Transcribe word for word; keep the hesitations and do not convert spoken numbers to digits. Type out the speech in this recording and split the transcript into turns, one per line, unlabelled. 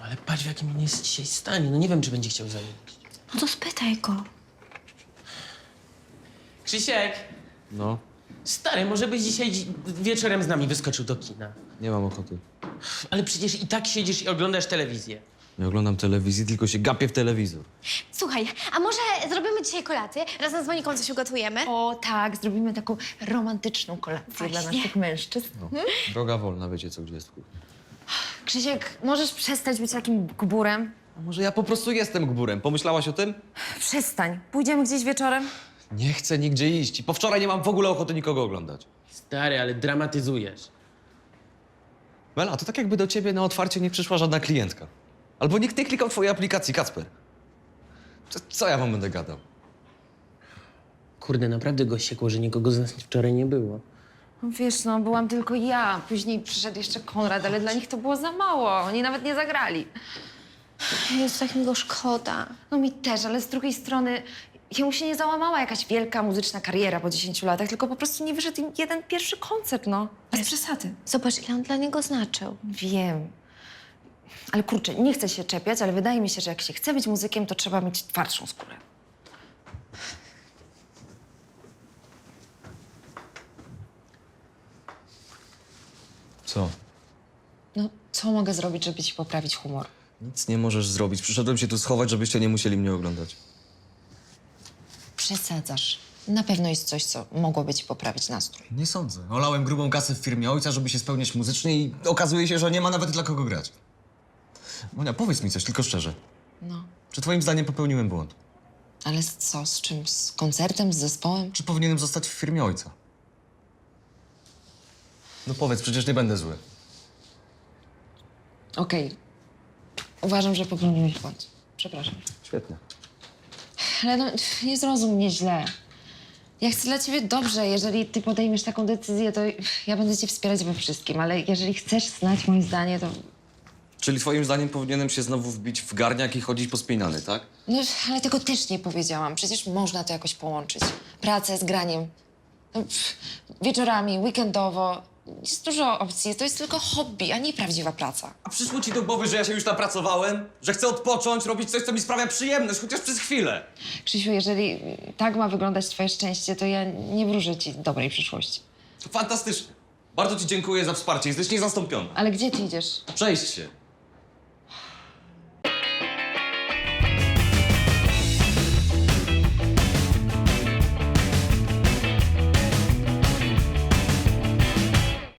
Ale patrz, w jakim on jest dzisiaj stanie. No nie wiem, czy będzie chciał zajeść.
No to spytaj go.
Krzysiek!
No,
Stary, może byś dzisiaj dzi- wieczorem z nami wyskoczył do kina.
nie mam ochoty.
Ale przecież i tak siedzisz i oglądasz telewizję.
Nie oglądam telewizji, tylko się gapię w telewizor.
Słuchaj, a może zrobimy dzisiaj kolację? Razem z Moniką coś ugotujemy?
O tak, zrobimy taką romantyczną kolację
Właśnie.
dla naszych mężczyzn.
No. Droga wolna, wiecie co, gdzie jest w kuchni.
Krzysiek, możesz przestać być takim gburem?
A może ja po prostu jestem gburem? Pomyślałaś o tym?
Przestań. Pójdziemy gdzieś wieczorem?
Nie chcę nigdzie iść i po wczoraj nie mam w ogóle ochoty nikogo oglądać.
Stary, ale dramatyzujesz.
Mela, to tak jakby do ciebie na otwarcie nie przyszła żadna klientka. Albo nikt nie klikał twojej aplikacji, Kacper. Co, co ja wam będę gadał?
Kurde, naprawdę go siekło, że nikogo z nas wczoraj nie było.
No wiesz, no, byłam tylko ja. Później przyszedł jeszcze Konrad, ale dla nich to było za mało. Oni nawet nie zagrali.
Jest tak mi go szkoda.
No mi też, ale z drugiej strony jemu się nie załamała jakaś wielka muzyczna kariera po dziesięciu latach, tylko po prostu nie wyszedł im jeden pierwszy koncert, no. Bez przesady.
Zobacz, ile on dla niego znaczył.
Wiem. Ale kurczę, nie chcę się czepiać, ale wydaje mi się, że jak się chce być muzykiem, to trzeba mieć twardszą skórę.
Co?
No, co mogę zrobić, żeby ci poprawić humor?
Nic nie możesz zrobić. Przyszedłem się tu schować, żebyście nie musieli mnie oglądać.
Przesadzasz. Na pewno jest coś, co mogłoby ci poprawić nastrój.
Nie sądzę. Olałem grubą kasę w firmie ojca, żeby się spełniać muzycznie i okazuje się, że nie ma nawet dla kogo grać. Monia, powiedz mi coś, tylko szczerze.
No,
Czy twoim zdaniem popełniłem błąd?
ale z co? Z czym? Z koncertem? Z zespołem?
Czy powinienem zostać w firmie ojca? No powiedz, przecież nie będę zły.
Okej. Uważam, że popełniłeś błąd. Przepraszam.
Świetnie.
Ale no, nie zrozum mnie źle. Ja chcę dla ciebie dobrze. Jeżeli ty podejmiesz taką decyzję, to ja będę cię wspierać we wszystkim. Ale jeżeli chcesz znać moje zdanie, to...
Czyli twoim zdaniem powinienem się znowu wbić w garniak i chodzić pospinany, tak?
No, ale tego też nie powiedziałam. Przecież można to jakoś połączyć. Pracę z graniem. No, pff, wieczorami, weekendowo. Jest dużo opcji. To jest tylko hobby, a nie prawdziwa praca.
A przyszło ci do głowy, że ja się już napracowałem? Że chcę odpocząć, robić coś, co mi sprawia przyjemność, chociaż przez chwilę?
Krzysiu, jeżeli tak ma wyglądać twoje szczęście, to ja nie wróżę ci dobrej przyszłości.
To fantastycznie. Bardzo ci dziękuję za wsparcie, jesteś niezastąpiona.
Ale gdzie ty idziesz?
Przejść się.